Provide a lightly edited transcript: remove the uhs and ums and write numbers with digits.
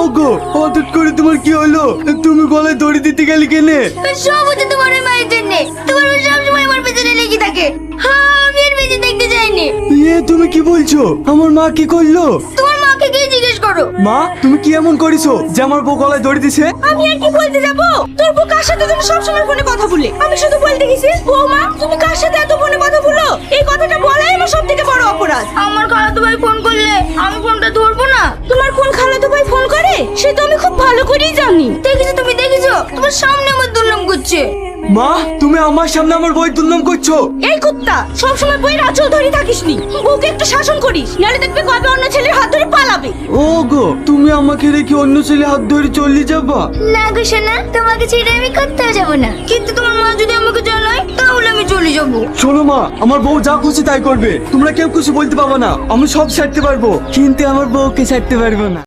গো, হঠাৎ করে তোমার কি হলো? তুমি গলায় দড়ি দিতে গেলে কেনে? সব হচ্ছে তোমার ওই মায়ের জন্য। তোমার মা সবসময় আমার পেছনে লেগে থাকে। হ্যাঁ, আমি আর বেঁচে দেখতে চাইনি। তুমি কি বলছো? আমার মা কি করলো? তোমার মাকে গিয়ে জিজ্ঞেস করো। মা, তুমি কি এমন করেছো যে আমার বউ গলায় দড়ি দিছে? আমি আর কি বলতে যাবো? তোর বউ কার সাথে তুমি সবসময় ফোনে কথা বলে? আমি শুধু বলতে গেছি, বৌমা তুমি কার সাথে এত ফোনে কথা বলো? এই কথাটা বলাই আমার সব থেকে বড় অপরাধ। আমার খালাতো ভাই ফোন করলে আমি ফোনটা ধরবো না। তোমার কোন খালাতো ভাই ফোন করে সে তো আমি খুব ভালো করেই জানি। দেখেছো তুমি, দেখেছো তোমার সামনে আমার দুর্নাম করছে। মা, তুমি আমার সামনে আমার বউয়ের দুর্নাম করছো? এই কুত্তা, সবসময় বইয়ের আঁচল ধরে থাকিস নি। বউকে একটু শাসন করিস, নাহলে দেখবে কবে অন্য ছেলের হাত ধরে পালাবে। ও গো, তুমি আমাকে রেখে অন্য ছেলে হাত ধরে চলে যাবা? না গো সোনা, তোমাকে ছেড়ে আমি কোথাও যাবো না। কিন্তু তোমার মা যদি আমাকে জানায় তাহলে আমি চলে যাবো। শোনো মা, আমার বউ যা খুশি তাই করবে, তোমরা কেউ কিছু বলতে পারবে না। আমি সব ছাড়তে পারবো, কিন্তু আমার বউকে ছাড়তে পারবো না।